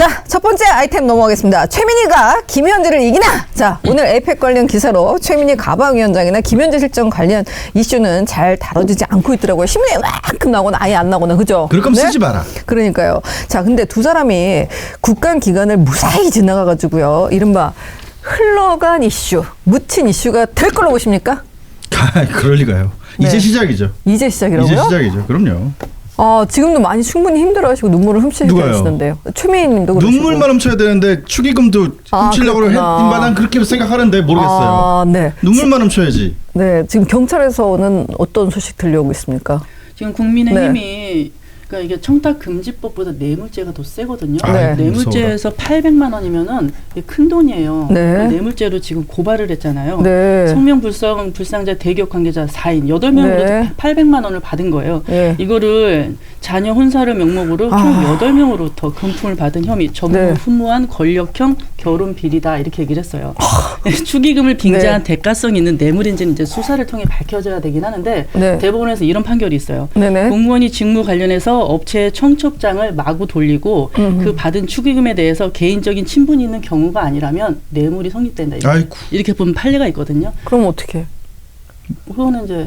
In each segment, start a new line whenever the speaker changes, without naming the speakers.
자, 첫 번째 아이템 넘어가겠습니다. 최민희가 김현지를 이기나? 자, 오늘 에이펙 관련 기사로 최민희 가방위원장이나 김현지 실장 관련 이슈는 잘 다뤄지지 않고 있더라고요. 신문에 만큼 나오거나 아예 안 나오거나, 그죠?
그럴 거면 쓰지 마라.
그러니까요. 자, 근데 두 사람이 국감 기간을 무사히 지나가가지고요. 이른바 흘러간 이슈, 묻힌 이슈가 될 걸로 보십니까?
그럴 리가요.
네.
이제 시작이죠.
이제 시작이라고요?
이제 시작이죠. 그럼요.
지금도 많이 충분히 힘들어하시고 눈물을 훔치시는데요. 최민희 님도 그러시고.
눈물만 훔쳐야 되는데 축의금도 훔치려고 했마당 그렇게 생각하는데 모르겠어요.
네.
눈물만 훔쳐야지.
네, 지금 경찰에서는 어떤 소식 들려오고 있습니까?
지금 국민의힘이 그러니까 이게 청탁금지법보다 뇌물죄가 더 세거든요.
네.
뇌물죄에서 800만 원이면은 이게 큰 돈이에요.
네.
그러니까 뇌물죄로 지금 고발을 했잖아요.
네.
성명불상자 대기업 관계자 4인 8명으로
네.
800만 원을 받은 거예요.
네.
이거를 자녀 혼사를 명목으로 총 8명으로부터 금품을 받은 혐의, 전무후무한 권력형 결혼 비리다 이렇게 얘기를 했어요. 축의금을 빙자한 대가성 있는 뇌물인지는 이제 수사를 통해 밝혀져야 되긴 하는데 대법원에서 이런 판결이 있어요.
네네.
공무원이 직무 관련해서 업체의 청첩장을 마구 돌리고 그 받은 축의금에 대해서 개인적인 친분이 있는 경우가 아니라면 뇌물이 성립된다. 이렇게 보면 판례가 있거든요.
그럼 어떻게?
그거는 이제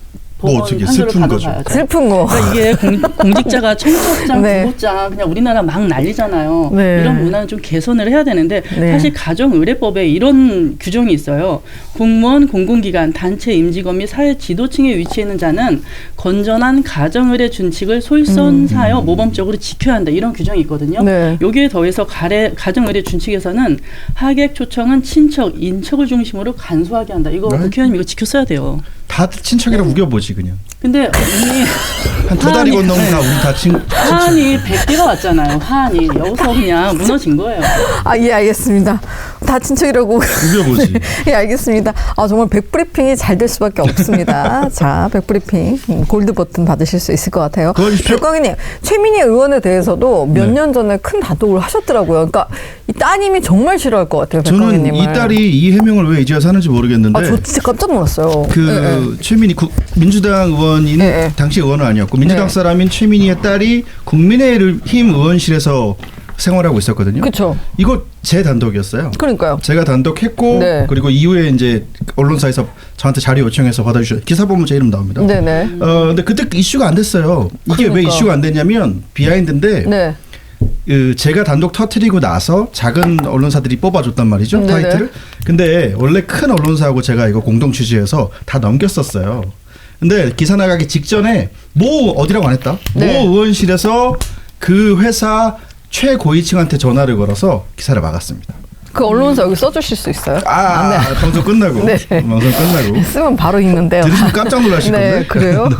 뭐 어떻게 슬픈 거죠.
슬픈 거.
그러니까 이게 공직자가 청첩장, 부고장 그냥 우리나라 막 난리잖아요.
네.
이런 문화는 좀 개선을 해야 되는데
네.
사실 가정의례법에 이런 규정이 있어요. 공무원, 공공기관, 단체 임직원 및 사회 지도층에 위치해 있는 자는 건전한 가정의례 준칙을 솔선사하여 모범적으로 지켜야 한다. 이런 규정이 있거든요.
네.
여기에 더해서 가정의례 준칙에서는 하객 초청은 친척, 인척을 중심으로 간소하게 한다. 이거 국회의원님 이거 지켰어야 돼요.
다들 친척이라 우겨보지 그냥.
근데 이미
한 두 달이 건너면 다 우리 다 친척.
한이 100개가 왔잖아요. 한이 여기서 그냥 무너진 거예요.
예, 알겠습니다. 다 친척이라고.
우겨보지.
예, 알겠습니다. 정말 백브리핑이 잘 될 수밖에 없습니다. 자, 백브리핑 골드 버튼 받으실 수 있을 것 같아요. 백광희님, 최민희 의원에 대해서도 몇 년 전에 큰 단독을 하셨더라고요. 그러니까 이 따님이 정말 싫어할 것 같아요. 백광희님을.
저는 이 딸이 이 해명을 왜 이제야 사는지 모르겠는데.
저 진짜 깜짝 놀랐어요.
최민희 민주당 의원인 당시 의원은 아니었고 민주당 사람인 최민희의 딸이 국민의힘 의원실에서 생활하고 있었거든요.
그렇죠.
이거 제 단독이었어요.
그러니까요.
제가 단독했고 그리고 이후에 이제 언론사에서 저한테 자료 요청해서 받아주셨어요. 기사 보면 제 이름 나옵니다.
네네.
근데 그때 이슈가 안 됐어요. 이게 왜 이슈가 안 됐냐면 비하인드인데 제가 단독 터트리고 나서 작은 언론사들이 뽑아줬단 말이죠. 타이틀을. 근데 원래 큰 언론사하고 제가 이거 공동 취재해서 다 넘겼었어요. 근데 기사 나가기 직전에 어디라고 안 했다. 모 의원실에서 그 회사 최고위층한테 전화를 걸어서 기사를 막았습니다.
그 언론사 여기 써주실 수 있어요?
방송 끝나고. 방송 끝나고.
쓰면 바로 읽는데요.
들으시면 깜짝 놀라실 건데.
그래요?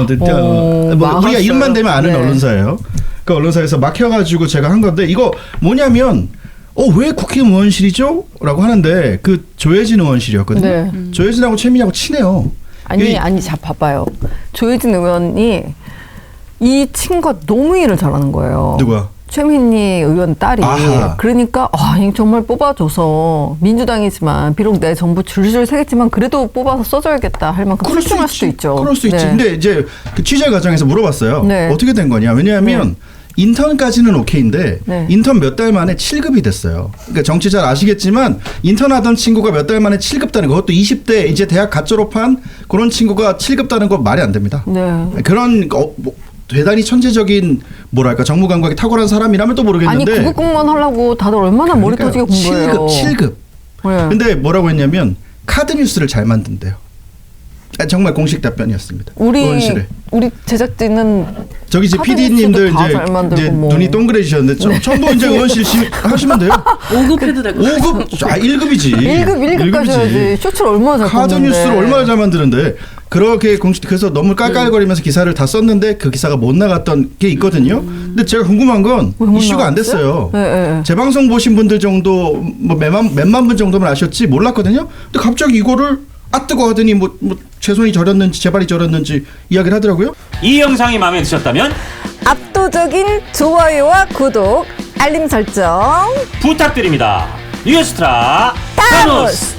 우리가 이름만 대면 아는 언론사예요. 그 언론사에서 막혀가지고 제가 한 건데 이거 뭐냐면 왜 국회의원실이죠? 라고 하는데 그 조혜진 의원실이었거든요. 조혜진하고 최민희하고 친해요.
아니, 자, 봐봐요. 조혜진 의원이 이 친구가 너무 일을 잘하는 거예요.
누가?
최민희 의원 딸이. 그러니까 정말 뽑아줘서 민주당이지만 비록 내 정부 줄줄 새겠지만 그래도 뽑아서 써줘야겠다 할 만큼 출중할 수도 있죠.
그럴 수 있지. 근데 이제 그 취재 과정에서 물어봤어요. 어떻게 된 거냐. 왜냐하면 인턴까지는 오케이인데 인턴 몇 달 만에 7급이 됐어요. 그러니까 정치 잘 아시겠지만 인턴 하던 친구가 몇 달 만에 7급 다는 거, 그것도 20대 이제 대학 갓 졸업한 그런 친구가 7급 다는 거 말이 안 됩니다. 그런 대단히 천재적인 정무 감각이 탁월한 사람이라면 또 모르겠는데.
아니 구급공무원 하려고 다들 얼마나 머리 터지게 공부해요.
7급. 근데 뭐라고 했냐면 카드 뉴스를 잘 만든대요. 정말 공식 답변이었습니다. 우리
제작진은
저기 이제 PD님들 이제 눈이 동그래지셨는데 전부 이제 의원실 하시면 돼요.
5급 해도 되고.
5급 1급이지.
1급 가셔야지. 쇼츠를 얼마나 잘
카드 뉴스를 얼마나 잘 만드는데 그렇게 그래서 너무 깔깔거리면서 기사를 다 썼는데 그 기사가 못 나갔던 게 있거든요. 근데 제가 궁금한 건 이슈가 안 됐어요. 재방송 보신 분들 정도 몇만 분 정도만 아셨지 몰랐거든요. 근데 갑자기 이거를 뜨거 하더니 제 손이 저렸는지 제 발이 저렸는지 이야기를 하더라고요.
이 영상이 마음에 드셨다면
압도적인 좋아요와 구독, 알림 설정
부탁드립니다. 뉴스트라 타노스.